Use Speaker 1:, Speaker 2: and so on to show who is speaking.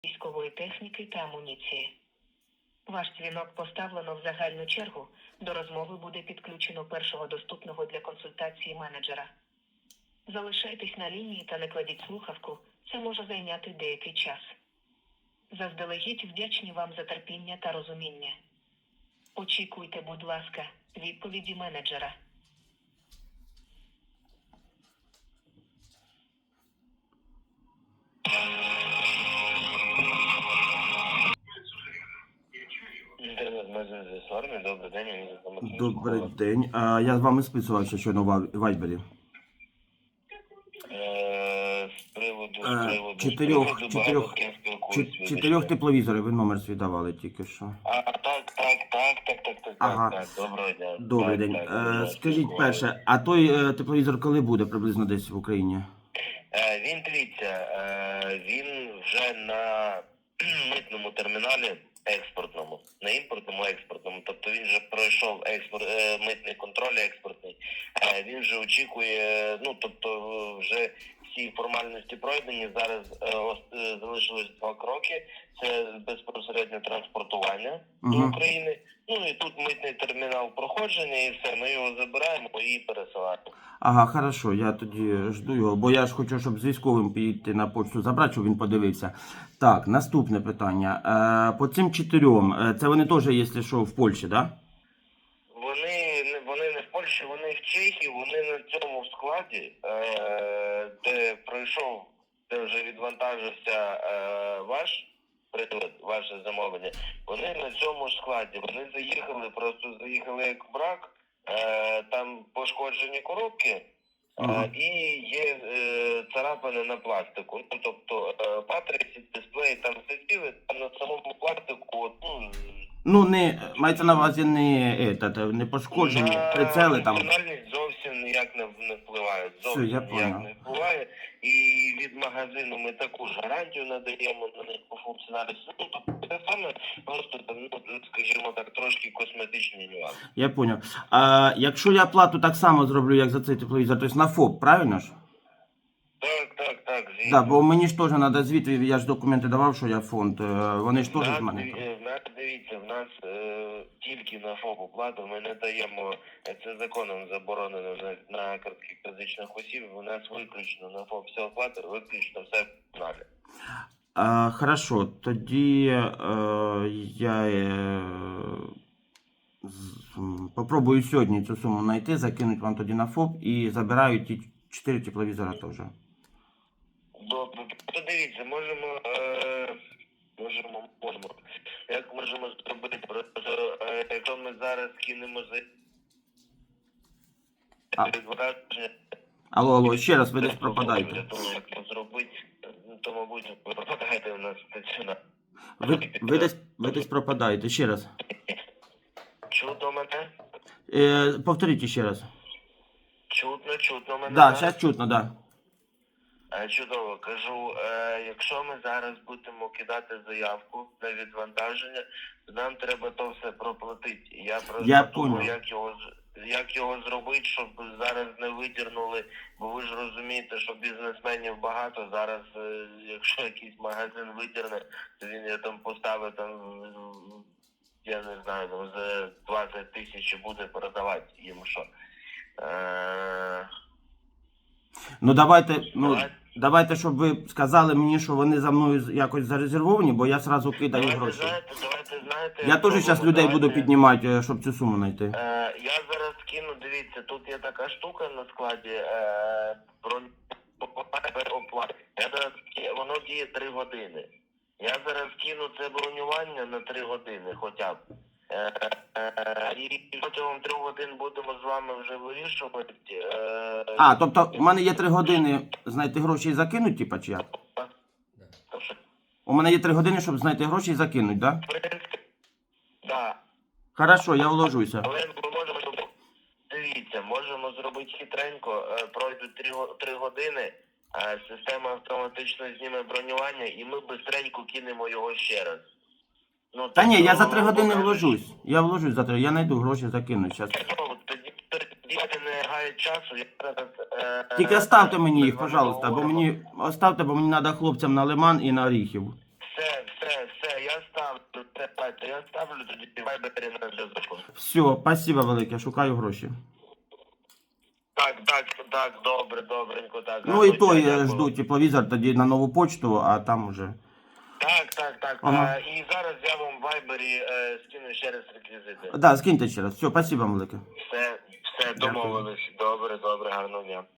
Speaker 1: військової техніки та амуніції. Ваш дзвінок поставлено в загальну чергу. До розмови буде підключено першого доступного для консультації менеджера. Залишайтесь на лінії та не кладіть слухавку, це може зайняти деякий час. Заздалегідь вдячні вам за терпіння та розуміння. Очікуйте, будь ласка, відповіді менеджера.
Speaker 2: Інтернет-магазин з армії, добрий день, мені за
Speaker 3: Добрий день. Я з вами списувався щойно в Вайбері.
Speaker 2: З приводу
Speaker 3: Чотирьох тепловізорів ви номер свій давали тільки що.
Speaker 2: Так, доброго дня.
Speaker 3: Добрий день. Скажіть перше, а той тепловізор коли буде приблизно десь в Україні?
Speaker 2: Він, дивіться, він вже на митному терміналі експортному, на імпортному експортному, тобто він вже пройшов митний контроль експортний, він вже очікує, тобто вже всі формальності пройдені, зараз залишилось 2 кроки, це безпосереднє транспортування до України, і тут митний термінал проходження і все, ми його забираємо і пересилаємо.
Speaker 3: Ага, хорошо, я тоді жду його, бо я ж хочу, щоб з військовим піти на почту забрати, щоб він подивився. Так, наступне питання. По цим 4, це вони теж, якщо що, в Польщі, так? Да?
Speaker 2: Вони не в Польщі, вони в Чехії, вони на цьому складі, де пройшов, де вже відвантажився ваше замовлення, вони на цьому складі, вони заїхали як брак, там пошкоджені коробки, і є царапини на пластику. Тобто матриці, дисплеї там сиділи, там на самому пластику,
Speaker 3: не, мається на увазі не пошкоджені, прицели там.
Speaker 2: Функціональність зовсім ніяк не впливає, не впливає. І від магазину ми таку ж гарантію надаємо на них по функціональності. Тобто це саме просто, скажімо так, трошки косметичний нюанс.
Speaker 3: Я поняв. А якщо я плату так само зроблю, як за цей тепловізор, тобто на ФОП, правильно ж?
Speaker 2: Так, звісно.
Speaker 3: Да, бо мені ж теж треба звіт, я ж документи давав, що я фонд, вони ж теж з мене.
Speaker 2: Дивіться, в нас тільки на ФОП оплату ми не даємо, це законом заборонено на картких фізичних осіб, у нас виключно на ФОП вся оплата, виключно все в каналі.
Speaker 3: Хорошо, тоді я попробую сьогодні цю суму знайти, закинуть вам тоді на ФОП і забираю ті 4 тепловізора теж.
Speaker 2: Добре, подивіться, можемо. Як можемо зробити? Просто, якщо ми зараз кинемо за відвантаження...
Speaker 3: Алло, ще раз, ви десь пропадаєте.
Speaker 2: Для того, як це зробити, то, мабуть, ви пропадаєте у нас стаціонар.
Speaker 3: Ви десь пропадаєте, ще раз.
Speaker 2: Чутно мене?
Speaker 3: Повторіть ще раз.
Speaker 2: Чутно мене?
Speaker 3: Да, зараз чутно, да.
Speaker 2: Чудово, кажу, якщо ми зараз будемо кидати заявку на відвантаження, то нам треба то все проплатити. Я просто думаю, як його зробити, щоб зараз не видірнули, бо ви ж розумієте, що бізнесменів багато. Зараз, якщо якийсь магазин видірне, то він там поставить, я не знаю, за 20 тисяч буде продавати їм що.
Speaker 3: Давайте, щоб ви сказали мені, що вони за мною якось зарезервовані, бо я одразу кидаю гроші.
Speaker 2: Знаєте,
Speaker 3: я теж зараз людей буду піднімати, щоб цю суму знайти.
Speaker 2: Я зараз скину, дивіться, тут є така штука на складі, оплати. Воно діє 3 години. Я зараз кину це бронювання на 3 години хоча б. І протягом 3 годин будемо з вами вже вирішувати.
Speaker 3: Тобто у мене є 3 години знайти гроші і закинути, типа, чи як? У мене є 3 години, щоб знайти гроші і закинути, так? Да?
Speaker 2: В принципі, так.
Speaker 3: Хорошо, я вложуся.
Speaker 2: Але ми можемо, дивіться, можемо зробити хитренько, пройдуть 3 години, система автоматично зніме бронювання і ми бистренько кинемо його ще раз.
Speaker 3: Та ні, я за 3 години вложусь. Я вложусь за 3, я знайду гроші, закину зараз.
Speaker 2: Тоді не гає часу, я зараз...
Speaker 3: Тільки оставте мені їх, пожалуйста, бо мені треба хлопцям на Лиман і на Оріхів.
Speaker 2: Все, я ставлю тоді вайбері на зв'язку.
Speaker 3: Все, спасибо велике, шукаю гроші.
Speaker 2: Так, добренько, так.
Speaker 3: Ну і
Speaker 2: гарного
Speaker 3: той
Speaker 2: дня, дякую.
Speaker 3: жду тепловізор тоді на нову почту, а там уже.
Speaker 2: Так.
Speaker 3: Ага.
Speaker 2: І зараз я вам в вайбері скину ще раз реквізити.
Speaker 3: Да, скиньте ще раз. Все, спасибо велике.
Speaker 2: Все,
Speaker 3: Дякую.
Speaker 2: домовились. Добре, гарного дня.